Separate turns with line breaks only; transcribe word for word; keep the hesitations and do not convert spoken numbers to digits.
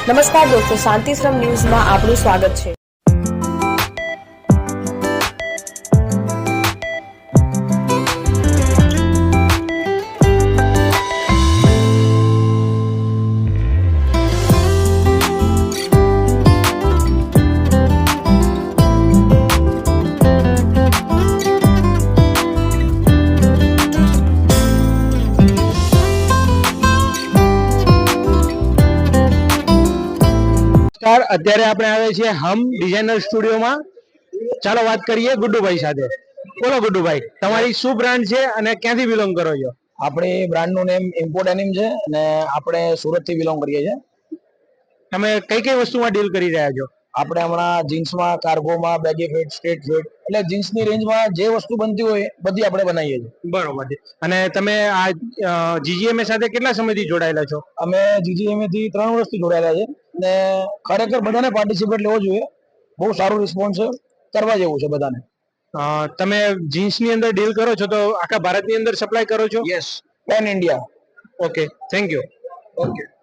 નમસ્કાર દોસ્તો, શાંતિશ્રમ ન્યૂઝમાં આપનું સ્વાગત છે।
અત્યારે આપણે આવે છીએ હમ ડિઝાઇનર સ્ટુડિયોમાં। ચાલો વાત કરીએ ગુડ્ડુભાઈ સાથે। બોલો ગુડ્ડુભાઈ, તમારી શું બ્રાન્ડ છે અને ક્યાંથી બિલોંગ કરો છો?
આપણી બ્રાન્ડનું નેમ ઇમ્પોર્ટ એનિમ છે અને આપણે સુરતથી બિલોંગ કરીએ છીએ।
તમે કઈ કઈ વસ્તુમાં ડીલ કરી રહ્યા છો?
આપણે હમણાં જીન્સમાં, કાર્ગોમાં, બેગી ફિટ, સ્ટ્રેટ ફિટ, એટલે જીન્સની રેન્જમાં જે વસ્તુ બનતી હોય બધી આપણે બનાવીએ છીએ।
બરોબર છે। અને તમે આ જીજીએમએ સાથે કેટલા સમયથી જોડાયેલા છો?
અમે જીજીએમએ થી ત્રણ વર્ષથી જોડાયેલા છે અને ખરેખર બધાને પાર્ટિસિપેટ લેવો જોઈએ। બહુ સારું રિસ્પોન્સ છે, કરવા જેવું છે બધાને।
તમે જીન્સની અંદર ડીલ કરો છો તો આખા ભારતની અંદર સપ્લાય કરો છો?
Yes, pan India.
Okay, thank you.
Okay.